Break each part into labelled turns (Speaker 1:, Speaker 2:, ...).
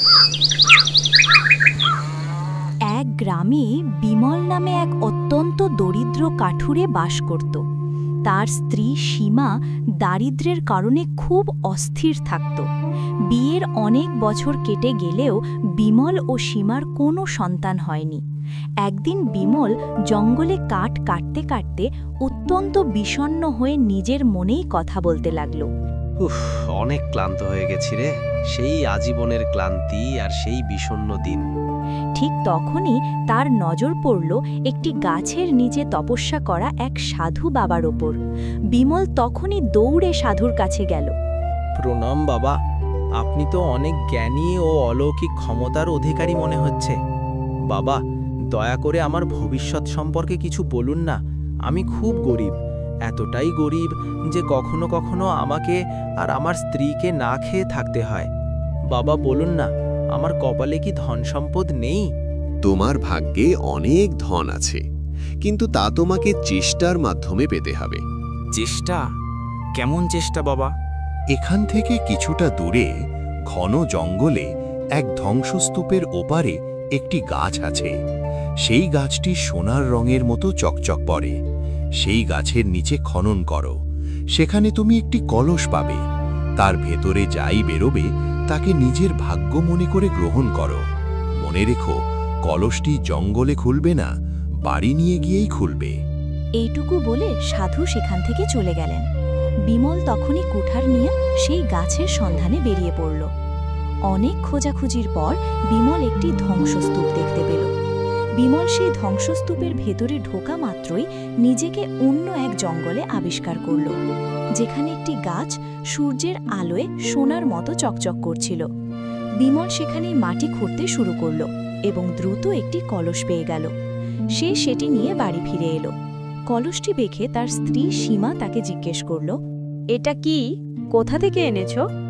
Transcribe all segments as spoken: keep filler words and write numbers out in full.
Speaker 1: এক গ্রামে বিমল নামে এক অত্যন্ত দরিদ্র কাঠুরে বাস করত। তার স্ত্রী সীমা দারিদ্র্যের কারণে খুব অস্থির থাকত। বিয়ের অনেক বছর কেটে গেলেও বিমল ও সীমার কোনো সন্তান হয়নি। একদিন বিমল জঙ্গলে কাঠ কাটতে কাটতে অত্যন্ত বিষণ্ণ হয়ে নিজের মনেই কথা বলতে লাগল।
Speaker 2: উফ, অনেক ক্লান্ত হয়ে গেছি রে। সেই আজীবনের ক্লান্তি আর সেই বিষণ্ণ দিন।
Speaker 1: ঠিক তখনই তার নজর পড়ল একটি গাছের নিচে তপস্যা করা এক সাধু বাবার ওপর। বিমল তখনই দৌড়ে সাধুর কাছে গেল।
Speaker 3: প্রণাম বাবা, আপনি তো অনেক জ্ঞানী ও অলৌকিক ক্ষমতার অধিকারী মনে হচ্ছে। বাবা, দয়া করে আমার ভবিষ্যৎ সম্পর্কে কিছু বলুন না। আমি খুব গরিব, এতটাই গরিব যে কখনো কখনো আমাকে আর আমার স্ত্রীকে না খেয়ে থাকতে হয়। বাবা বলুন না, আমার কপালে কি ধন সম্পদ নেই?
Speaker 4: তোমার ভাগ্যে অনেক ধন আছে, কিন্তু তা তোমাকে চেষ্টার মাধ্যমে পেতে হবে।
Speaker 5: চেষ্টা? কেমন চেষ্টা বাবা?
Speaker 6: এখান থেকে কিছুটা দূরে ঘন জঙ্গলে এক ধ্বংসস্তূপের ওপারে একটি গাছ আছে। সেই গাছটি সোনার রঙের মতো চকচক পড়ে। সেই গাছের নিচে খনন করো, সেখানে তুমি একটি কলস পাবে। তার ভেতরে যাই বেরোবে তাকে নিজের ভাগ্য মনে করে গ্রহণ করো। মনে রেখো, কলসটি জঙ্গলে খুলবে না, বাড়ি নিয়ে গিয়েই খুলবে।
Speaker 1: এইটুকু বলে সাধু সেখান থেকে চলে গেলেন। বিমল তখনই কুঠার নিয়ে সেই গাছের সন্ধানে বেরিয়ে পড়ল। অনেক খোঁজাখুঁজির পর বিমল একটি ধ্বংসস্তূপ দেখতে পেল। বিমল সেই ধ্বংসস্তূপের ভেতরে ঢোকা মাত্রই নিজেকে অন্য এক জঙ্গলে আবিষ্কার করল, যেখানে একটি গাছ সূর্যের আলোয় সোনার মতো চকচক করছিল। বিমল সেখানে মাটি খুঁড়তে শুরু করল এবং দ্রুত একটি কলস পেয়ে গেল। সে সেটি নিয়ে বাড়ি ফিরে এলো। কলসটি দেখে তার স্ত্রী সীমা তাকে জিজ্ঞেস করল, এটা কি? কোথা থেকে এনেছ?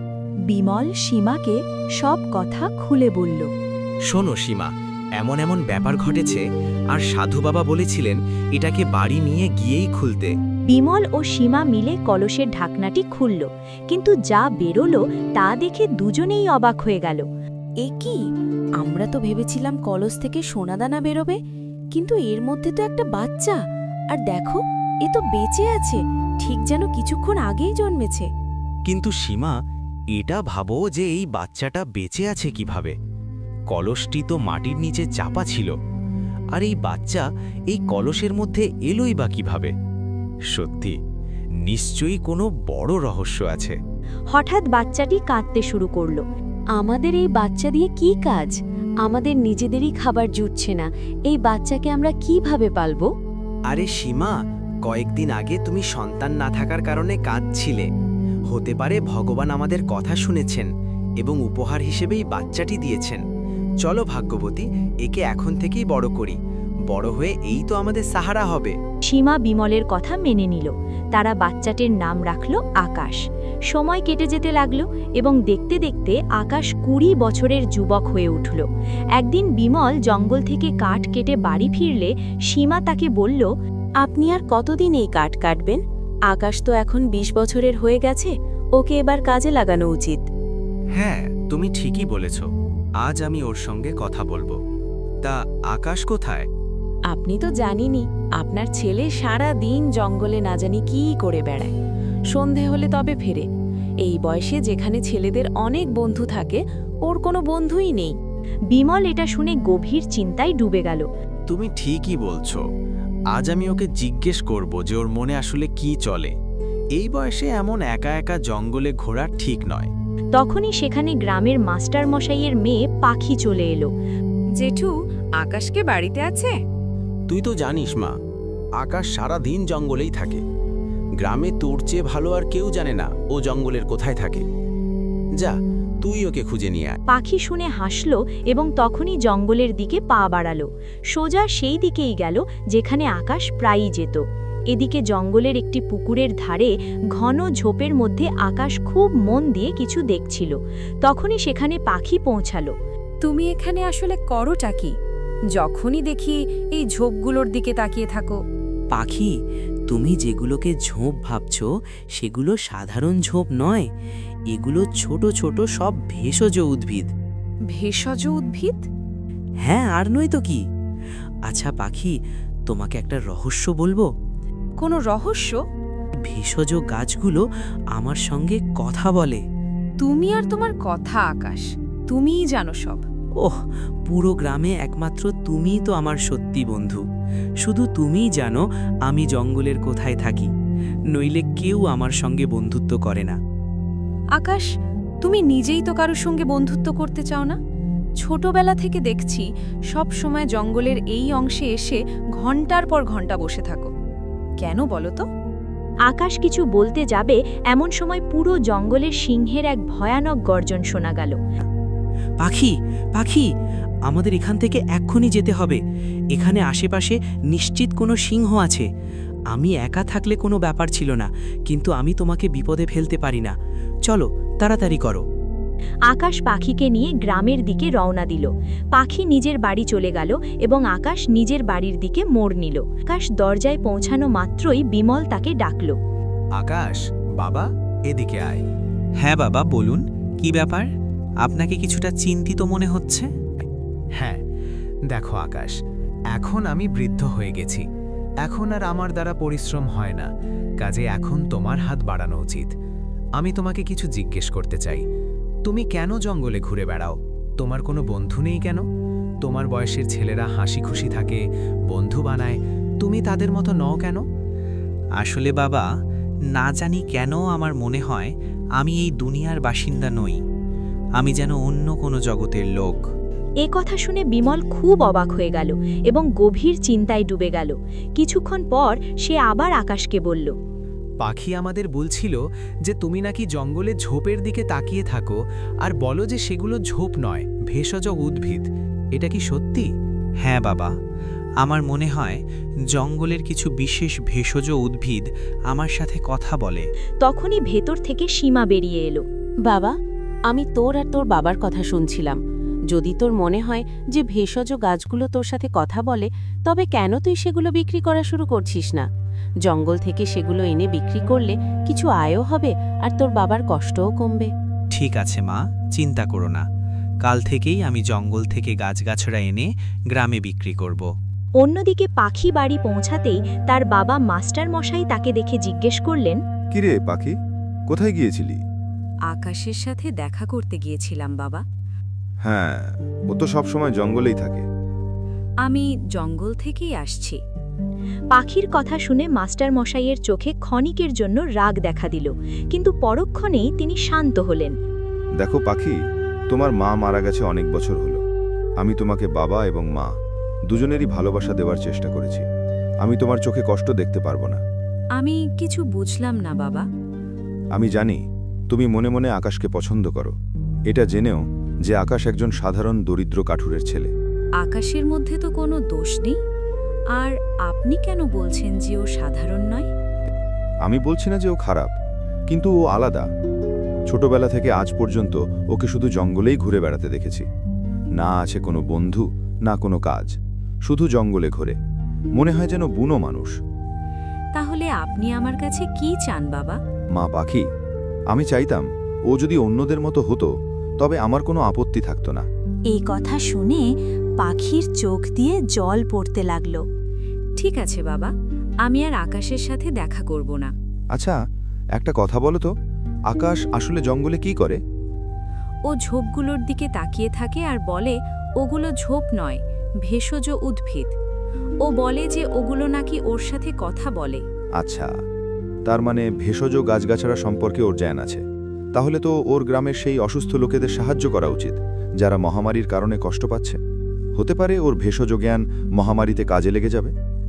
Speaker 1: বিমল সীমাকে সব কথা খুলে বলল।
Speaker 5: শোনো সীমা, এমন এমন ব্যাপার ঘটেছে, আর সাধু বাবা বলেছিলেন এটাকে বাড়ি নিয়ে গিয়েই খুলতে।
Speaker 1: বিমল ও সীমা মিলে কলসের ঢাকনাটি খুলল, কিন্তু যা বেরোলো তা দেখে দুজনেই অবাক হয়ে গেল। এ কি? আমরা তো ভেবেছিলাম কলস থেকে সোনাদানা বেরোবে, কিন্তু এর মধ্যে তো একটা বাচ্চা। আর দেখো, এ তো বেঁচে আছে, ঠিক যেন কিছুক্ষণ আগেই জন্মেছে।
Speaker 5: কিন্তু সীমা, এটা ভাবো যে এই বাচ্চাটা বেঁচে আছে কিভাবে? কলসটি তো মাটির নিচে চাপা ছিল, আর এই বাচ্চা এই কলসের মধ্যে এলোই বা কিভাবে? সত্যি, নিশ্চয়ই কোনো বড় রহস্য আছে।
Speaker 1: হঠাৎ বাচ্চাটি কাঁদতে শুরু করল। আমাদের এই বাচ্চা দিয়ে কি কাজ? আমাদের নিজেদেরই খাবার জুটছে না, এই বাচ্চাকে আমরা কিভাবে পালবো?
Speaker 2: আরে সীমা, কয়েকদিন আগে তুমি সন্তান না থাকার কারণে কাঁদছিলে। হতে পারে ভগবান আমাদের কথা শুনেছেন এবং উপহার হিসেবেই বাচ্চাটি দিয়েছেন। চলো ভাগ্যবতী, একে এখন থেকেই বড় করি। বড় হয়ে এই তো আমাদের সাহারা হবে।
Speaker 1: সীমা বিমলের কথা মেনে নিল। তারা বাচ্চাটির নাম রাখল আকাশ। সময় কেটে যেতে লাগল এবং দেখতে দেখতে আকাশ কুড়ি বছরের যুবক হয়ে উঠল। একদিন বিমল জঙ্গল থেকে কাঠ কেটে বাড়ি ফিরলে সীমা তাকে বলল, আপনি আর কতদিন এই কাঠ কাটবেন? আকাশ তো এখন বিশ বছরের হয়ে গেছে, ওকে এবার কাজে লাগানো উচিত।
Speaker 5: হ্যাঁ, তুমি ঠিকই বলেছ। আজ আমি ওর সঙ্গে কথা বলবো। তা আকাশ কোথায়?
Speaker 1: আপনি তো জানেনই, আপনার ছেলে সারা দিন জঙ্গলে না জানি কী করে বেড়ায়। সন্ধে হলে তবে ফেরে। এই বয়সে যেখানে ছেলেদের অনেক বন্ধু থাকে, ওর কোনো বন্ধুই নেই। বিমল এটা শুনে গভীর চিন্তায় ডুবে গেল।
Speaker 5: তুমি ঠিকই বলছো। আজ আমি ওকে জিজ্ঞেস করব যে ওর মনে আসলে কি চলে। এই বয়সে এমন একা একা জঙ্গলে ঘোরা ঠিক নয়।
Speaker 1: তখনই সেখানে গ্রামের মাস্টার মশাইয়ের মেয়ে পাখি চলে এলো।
Speaker 7: জেঠু, আকাশকে বাড়িতে আছে?
Speaker 5: তুই তো জানিস মা, আকাশ সারা দিন জঙ্গলেই থাকে। গ্রামে তোর চেয়ে ভালো আর কেউ জানে না ও জঙ্গলের কোথায় থাকে। যা, তুই ওকে খুঁজে নিয়ে আয়।
Speaker 1: পাখি শুনে হাসল এবং তখনই জঙ্গলের দিকে পা বাড়ালো। সোজা সেই দিকেই গেল যেখানে আকাশ প্রায়ই যেত। এদিকে জঙ্গলের একটি পুকুরের ধারে ঘন ঝোপের মধ্যে আকাশ খুব মন দিয়ে কিছু দেখছিল। তখনই সেখানে পাখি পৌঁছালো।
Speaker 7: তুমি এখানে আসলে করোটা কি? যখনই দেখি এই ঝোপগুলোর দিকে তাকিয়ে থাকো।
Speaker 8: পাখি, তুমি যেগুলোকে ঝোপ ভাবছ সেগুলো সাধারণ ঝোপ নয়, এগুলো ছোট ছোট সব ভেষজ উদ্ভিদ।
Speaker 7: ভেষজ উদ্ভিদ?
Speaker 8: হ্যাঁ, আর নয় তো কি। আচ্ছা পাখি, তোমাকে একটা রহস্য বলবো।
Speaker 7: কোনো রহস্য?
Speaker 8: ভেষজ গাছগুলো আমার সঙ্গে কথা বলে।
Speaker 7: তুমি আর তোমার কথা আকাশ, তুমিই জানো সব।
Speaker 8: ওহ, পুরো গ্রামে একমাত্র তুমিই তো আমার সত্যি বন্ধু। শুধু তুমিই জানো আমি জঙ্গলের কোথায় থাকি, নইলে কেউ আমার সঙ্গে বন্ধুত্ব করে না।
Speaker 7: আকাশ, তুমি নিজেই তো কারোর সঙ্গে বন্ধুত্ব করতে চাও না? ছোটবেলা থেকে দেখছি সব সময় জঙ্গলের এই অংশে এসে ঘন্টার পর ঘন্টা বসে থাকো। কেন বলো তো?
Speaker 1: আকাশ কিছু বলতে যাবে এমন সময় পুরো জঙ্গলের সিংহের এক ভয়ানক গর্জন শোনা গেল।
Speaker 8: পাখি, পাখি, আমাদের এখান থেকে এক্ষুনি যেতে হবে। এখানে আশেপাশে নিশ্চিত কোনো সিংহ আছে। আমি একা থাকলে কোনো ব্যাপার ছিল না, কিন্তু আমি তোমাকে বিপদে ফেলতে পারি না। চলো, তাড়াতাড়ি করো।
Speaker 1: আকাশ পাখিকে নিয়ে গ্রামের দিকে রওনা দিল। পাখি নিজের বাড়ি চলে গেল এবং আকাশ নিজের বাড়ির দিকে মোড় নিল। আকাশ দরজায় পৌঁছানো মাত্রই বিমল তাকে ডাকল।
Speaker 2: আকাশ, বাবা, এদিকে আয়।
Speaker 5: হ্যাঁ বাবা, বলুন, কি ব্যাপার? আপনাকে কিছুটা চিন্তিত মনে হচ্ছে।
Speaker 2: হ্যাঁ, দেখো আকাশ, এখন আমি বৃদ্ধ হয়ে গেছি। এখন আর আমার দ্বারা পরিশ্রম হয় না, কাজে এখন তোমার হাত বাড়ানো উচিত। আমি তোমাকে কিছু জিজ্ঞেস করতে চাই। তুমি কেন জঙ্গলে ঘুরে বেড়াও? তোমার কোনো বন্ধু নেই কেন? তোমার বয়সের ছেলেরা হাসি খুশি থাকে, বন্ধু বানায়, তুমি তাদের মতো নও কেন?
Speaker 5: আসলে বাবা, না জানি কেন আমার মনে হয় আমি এই দুনিয়ার বাসিন্দা নই। আমি যেন অন্য কোনো জগতের লোক।
Speaker 1: এ কথা শুনে বিমল খুব অবাক হয়ে গেল এবং গভীর চিন্তায় ডুবে গেল। কিছুক্ষণ পর সে আবার আকাশকে বলল,
Speaker 2: পাখি আমাদের বলছিল যে তুমি নাকি জঙ্গলে ঝোপের দিকে তাকিয়ে থাকো আর বলো যে সেগুলো ঝোপ নয়, ভেষজ উদ্ভিদ। এটা কি সত্যি?
Speaker 5: হ্যাঁ বাবা, আমার মনে হয় জঙ্গলের কিছু বিশেষ ভেষজ উদ্ভিদ আমার সাথে কথা বলে।
Speaker 1: তখনই ভেতর থেকে সীমা বেরিয়ে এলো।
Speaker 9: বাবা, আমি তোর আর তোর বাবার কথা শুনছিলাম। যদি তোর মনে হয় যে ভেষজ গাছগুলো তোর সাথে কথা বলে, তবে কেন তুই সেগুলো বিক্রি করা শুরু করছিস না? জঙ্গল থেকে সেগুলো এনে বিক্রি করলে কিছু আয়ও হবে আর তোর বাবার কষ্টও কমবে।
Speaker 5: ঠিক আছে মা, চিন্তা করো না। কাল থেকেই আমি জঙ্গল থেকে গাছগাছড়া এনে গ্রামে বিক্রি করব।
Speaker 1: অন্যদিকে পাখি বাড়ি পৌঁছাতেই তার বাবা মাস্টার মশাই তাকে দেখে জিজ্ঞেস করলেন,
Speaker 10: কিরে পাখি, কোথায় গিয়েছিলি?
Speaker 7: আকাশের সাথে দেখা করতে গিয়েছিলাম বাবা।
Speaker 10: হ্যাঁ, ও তো সবসময় জঙ্গলেই থাকে।
Speaker 7: আমি জঙ্গল থেকেই আসছি।
Speaker 1: পাখির কথা শুনে মাস্টার মশাইয়ের চোখে ক্ষণিকের জন্য রাগ দেখা দিল, কিন্তু পরক্ষণেই তিনি শান্ত হলেন।
Speaker 10: দেখো পাখি, তোমার মা মারা গেছে অনেক বছর হলো। আমি তোমাকে বাবা এবং মা দুজনেরই ভালোবাসা দেওয়ার চেষ্টা করেছি। আমি তোমার চোখে কষ্ট দেখতে পারবো না।
Speaker 7: আমি কিছু বুঝলাম না বাবা।
Speaker 10: আমি জানি তুমি মনে মনে আকাশকে পছন্দ করো, এটা জেনেও যে আকাশ একজন সাধারণ দরিদ্র কাঠুরের ছেলে।
Speaker 7: আকাশের মধ্যে তো কোনো দোষ নেই। আর আপনি কেন বলছেন যে ও সাধারণ নয়?
Speaker 10: আমি বলছি না যে ও খারাপ, কিন্তু ও আলাদা। ছোটবেলা থেকে আজ পর্যন্ত ওকে শুধু জঙ্গলেই ঘুরে বেড়াতে দেখেছি। না আছে কোনো বন্ধু, না কোনো কাজ, শুধু জঙ্গলে ঘোরে। মনে হয় যেন বুনো মানুষ।
Speaker 7: তাহলে আপনি আমার কাছে কি চান বাবা?
Speaker 10: মা পাখি, আমি চাইতাম ও যদি অন্যদের মতো হতো, তবে আমার কোনো আপত্তি থাকতো না।
Speaker 1: এই কথা শুনে পাখির চোখ দিয়ে জল পড়তে লাগলো।
Speaker 7: ঠিক আছে বাবা, আমি আর আকাশের সাথে দেখা করব না।
Speaker 10: আচ্ছা, একটা কথা বলো তো, আকাশ আসলে জঙ্গলে কি করে?
Speaker 7: ও ঝোপগুলোর দিকে তাকিয়ে থাকে আর বলে ওগুলো ঝোপ নয়, ভেষজ উদ্ভিদ। ও বলে যে ওগুলো নাকি ওর সাথে কথা বলে।
Speaker 10: আচ্ছা, তার মানে ভেষজ গাছগাছড়া সম্পর্কে ওর জ্ঞান আছে। তাহলে তো ওর গ্রামের সেই অসুস্থ লোকেদের সাহায্য করা উচিত, যারা মহামারীর কারণে কষ্ট পাচ্ছে। হতে পারে ওর ভেষজ জ্ঞান মহামারীতে কাজে লেগে যাবে।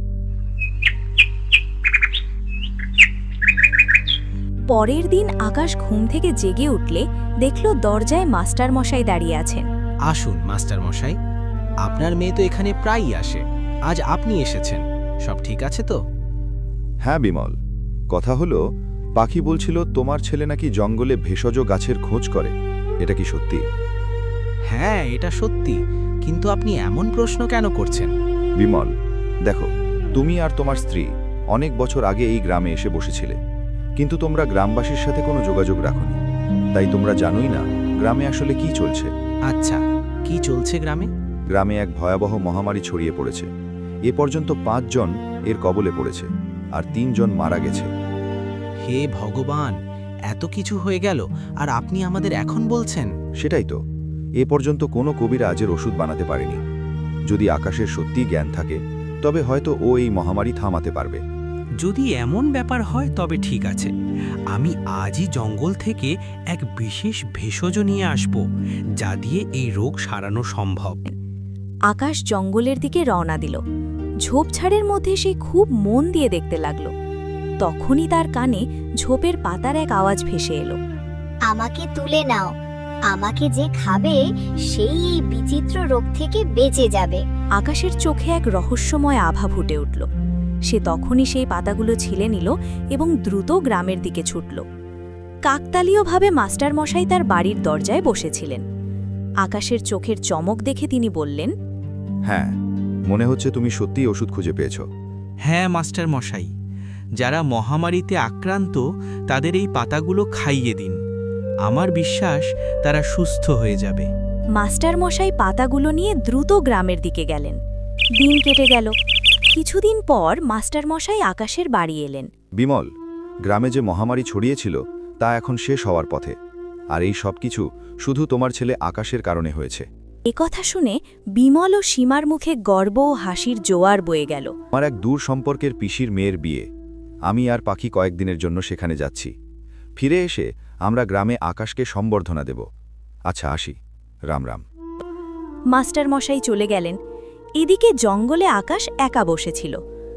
Speaker 1: পরের দিন আকাশ ঘুম থেকে জেগে উঠলে দেখল দরজায় মাস্টার মশাই দাঁড়িয়ে আছেন।
Speaker 2: আসুন মাস্টার মশাই, আপনার মেয়ে তো এখানে প্রায়ই আসে, আজ আপনি এসেছেন। সব ঠিক আছে তো?
Speaker 10: হ্যাঁ বিমল, কথা হলো পাখি বলছিল তোমার ছেলে নাকি জঙ্গলে ভেষজ গাছের খোঁজ করে। এটা কি সত্যি?
Speaker 2: হ্যাঁ, এটা সত্যি, কিন্তু আপনি এমন প্রশ্ন কেন করছেন?
Speaker 10: বিমল, দেখো, তুমি আর তোমার স্ত্রী অনেক বছর আগে এই গ্রামে এসে বসেছিলে, কিন্তু তোমরা গ্রামবাসীর সাথে কোনো যোগাযোগ রাখোনি। তাই তোমরা জানোই না গ্রামে আসলে কি চলছে।
Speaker 2: আচ্ছা,
Speaker 3: কি চলছে গ্রামে?
Speaker 10: গ্রামে এক ভয়াবহ মহামারী ছড়িয়ে পড়েছে। এ পর্যন্ত পাঁচজন এর কবলে পড়েছে, আর তিনজন মারা গেছে।
Speaker 3: হে ভগবান, এত কিছু হয়ে গেল আর আপনি আমাদের এখন বলছেন?
Speaker 10: সেটাই তো, এ পর্যন্ত কোনো কবিরাজের ওষুধ বানাতে পারেনি। যদি আকাশের সত্যি জ্ঞান থাকে, তবে হয়তো ও এই মহামারী থামাতে পারবে।
Speaker 8: যদি এমন ব্যাপার হয় তবে ঠিক আছে, আমি আজই জঙ্গল থেকে এক বিশেষ ভেষজ নিয়ে আসব, যা দিয়ে এই রোগ সারানো সম্ভব।
Speaker 1: আকাশ জঙ্গলের দিকে রওনা দিল। ঝোপঝাড়ের মধ্যে সে খুব মন দিয়ে দেখতে লাগল। তখনই তার কানে ঝোপের পাতার এক আওয়াজ ভেসে এলো।
Speaker 11: আমাকে তুলে নাও, আমাকে যে খাবে সেই এই বিচিত্র রোগ থেকে বেঁচে যাবে।
Speaker 1: আকাশের চোখে এক রহস্যময় আভা ফুটে উঠল। সে তখনই সেই পাতাগুলো ছিলে নিল এবং দ্রুত গ্রামের দিকে ছুটল। কাকতালীয়ভাবে মাস্টারমশাই তার বাড়ির দরজায় বসেছিলেন। আকাশের চোখের চমক দেখে তিনি বললেন,
Speaker 10: হ্যাঁ, মনে হচ্ছে তুমি সত্যিই ওষুধ খুঁজে পেয়েছ।
Speaker 8: হ্যাঁ মাস্টার মশাই, যারা মহামারীতে আক্রান্ত তাদের এই পাতাগুলো খাইয়ে দিন। আমার বিশ্বাস তারা সুস্থ হয়ে যাবে।
Speaker 1: মাস্টারমশাই পাতাগুলো নিয়ে দ্রুত গ্রামের দিকে গেলেন। দিন কেটে গেল। কিছুদিন পর মাস্টারমশাই আকাশের বাড়ি এলেন।
Speaker 10: বিমল, গ্রামে যে মহামারী ছড়িয়েছিল তা এখন শেষ হওয়ার পথে, আর এই সব কিছু শুধু তোমার ছেলে আকাশের কারণে হয়েছে।
Speaker 1: একথা শুনে বিমল ও সীমার মুখে গর্ব ও হাসির জোয়ার বয়ে গেল।
Speaker 10: আমার এক দূর সম্পর্কের পিসির মেয়ের বিয়ে। আমি আর পাখি কয়েকদিনের জন্য সেখানে যাচ্ছি। ফিরে এসে আমরা গ্রামে আকাশকে সম্বর্ধনা দেব। আচ্ছা, আসি। রাম রাম।
Speaker 1: মাস্টারমশাই চলে গেলেন। এদিকে জঙ্গলে আকাশ একা বসেছিল।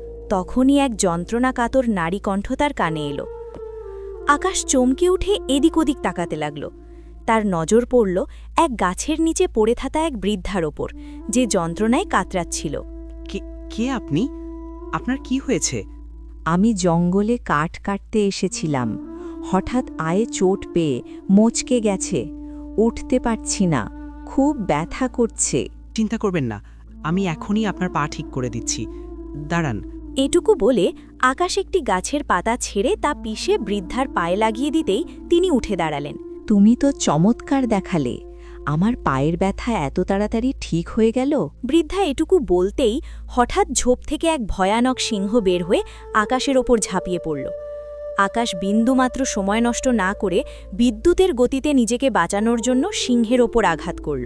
Speaker 1: তখনই এক যন্ত্রণা কাতর নারী কণ্ঠ তার কানে এলো। আকাশ চমকে উঠে এদিক ওদিক তাকাতে লাগল। তার নজর পড়ল এক গাছের নিচে পড়ে থাকা এক বৃদ্ধার ওপর, যে যন্ত্রণায় কাতরাচ্ছিল।
Speaker 8: কে আপনি? আপনার কি হয়েছে?
Speaker 12: আমি জঙ্গলে কাঠ কাটতে এসেছিলাম। হঠাৎ আয়ে চোট পেয়ে মোচকে গেছে, উঠতে পারছি না, খুব ব্যথা করছে।
Speaker 8: চিন্তা করবেন না, আমি এখনই আপনার পা ঠিক করে দিচ্ছি, দাঁড়ান।
Speaker 1: এটুকু বলে আকাশ একটি গাছের পাতা ছেড়ে তা পিষে বৃদ্ধার পায়ে লাগিয়ে দিতেই তিনি উঠে দাঁড়ালেন।
Speaker 12: তুমি তো চমৎকার দেখালে, আমার পায়ের ব্যথা এত তাড়াতাড়ি ঠিক হয়ে গেল?
Speaker 1: বৃদ্ধা এটুকু বলতেই হঠাৎ ঝোপ থেকে এক ভয়ানক সিংহ বের হয়ে আকাশের ওপর ঝাঁপিয়ে পড়ল। আকাশ বিন্দুমাত্র সময় নষ্ট না করে বিদ্যুতের গতিতে নিজেকে বাঁচানোর জন্য সিংহের ওপর আঘাত করল।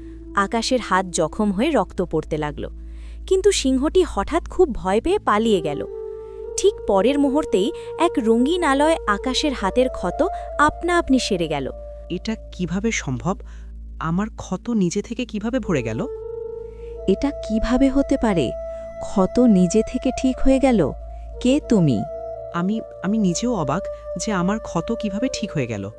Speaker 1: আকাশের হাত জখম হয়ে রক্ত পড়তে লাগল, কিন্তু সিংহটি হঠাৎ খুব ভয় পেয়ে পালিয়ে গেল। ঠিক পরের মুহূর্তেই এক রঙিন আলোয় আকাশের হাতের ক্ষত আপনা আপনি সেরে গেল।
Speaker 8: এটা কিভাবে সম্ভব? আমার ক্ষত নিজে থেকে কিভাবে ভরে গেল?
Speaker 12: এটা কিভাবে হতে পারে? ক্ষত নিজে থেকে ঠিক হয়ে গেল? কে তুমি?
Speaker 8: আমি আমি নিজেও অবাক যে আমার ক্ষত কিভাবে ঠিক হয়ে গেল।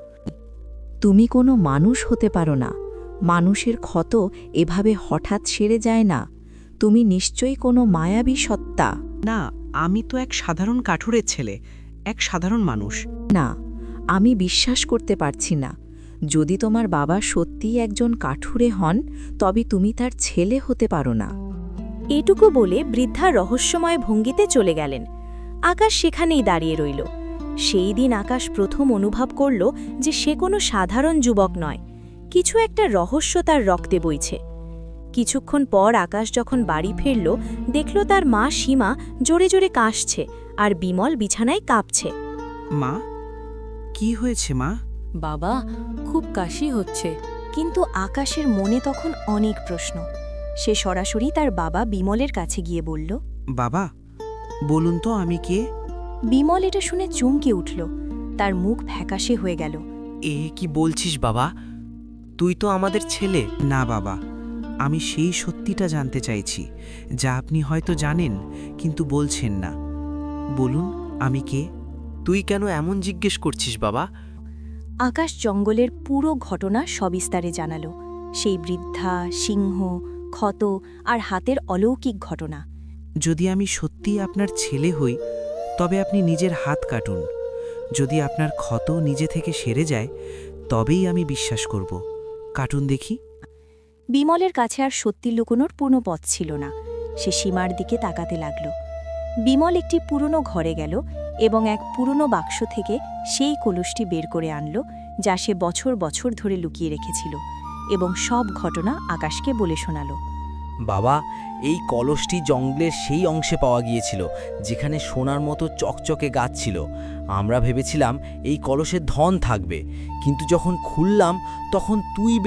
Speaker 12: তুমি কোনো মানুষ হতে পারো না। মানুষের ক্ষত এভাবে হঠাৎ সেরে যায় না। তুমি নিশ্চয়ই কোনো মায়াবী সত্তা।
Speaker 8: না, আমি তো এক সাধারণ কাঠুরের ছেলে, এক সাধারণ মানুষ।
Speaker 12: না, আমি বিশ্বাস করতে পারছি না। যদি তোমার বাবা সত্যিই একজন কাঠুরে হন, তবে তুমি তার ছেলে হতে পারো না।
Speaker 1: এটুকু বলে বৃদ্ধা রহস্যময় ভঙ্গিতে চলে গেলেন। আকাশ সেখানেই দাঁড়িয়ে রইল। সেই দিন আকাশ প্রথম অনুভব করল যে সে কোনো সাধারণ যুবক নয়, কিছু একটা রহস্য তার রক্তে বইছে। কিছুক্ষণ পর আকাশ যখন বাড়ি ফিরল, দেখল তার মা সীমা জোরে জোরে কাশছে আর বিমল বিছানায় কাঁপছে।
Speaker 8: মা, কি হয়েছে মা?
Speaker 7: বাবা, খুব কাশি হচ্ছে।
Speaker 1: কিন্তু আকাশের মনে তখন অনেক প্রশ্ন। সে সরাসরি তার বাবা বিমলের কাছে গিয়ে বলল,
Speaker 8: বাবা, বলুন তো আমি কে?
Speaker 1: বিমল এটা শুনে চমকে উঠল। তার মুখ ফ্যাকাশে হয়ে গেল।
Speaker 5: এ কি বলছিস বাবা? তুই তো আমাদের ছেলে।
Speaker 8: না বাবা, আমি সেই সত্যিটা জানতে চাইছি, যা আপনি হয়তো জানেন কিন্তু বলছেন না। বলুন আমি কে?
Speaker 5: তুই কেন এমন জিজ্ঞেস করছিস বাবা?
Speaker 1: আকাশ জঙ্গলের পুরো ঘটনা সবিস্তারে জানাল। সেই বৃদ্ধা, সিংহ, ক্ষত আর হাতের অলৌকিক ঘটনা।
Speaker 8: যদি আমি সত্যিই আপনার ছেলে হই, তবে আপনি নিজের হাত কাটুন। যদি আপনার ক্ষত নিজে থেকে সেরে যায়, তবেই আমি বিশ্বাস করব। কাটুন দেখি।
Speaker 1: বিমলের কাছে আর সত্যি লুকোনোর পূর্ণ পথ ছিল না। সে সীমার দিকে তাকাতে লাগল। বিমল একটি পুরনো ঘরে গেল এবং এক পুরনো বাক্স থেকে সেই কলসটি বের করে আনল, যা সে বছর বছর ধরে লুকিয়ে রেখেছিল, এবং সব ঘটনা আকাশকে বলে শোনালো।
Speaker 5: বাবা, এই কলসটি জঙ্গলের সেই অংশে পাওয়া গিয়েছিল যেখানে সোনার মতো চকচকে গাছ ছিল। আমরা ভেবেছিলাম এই কলসে ধন থাকবে, কিন্তু যখন খুললাম তখন তুই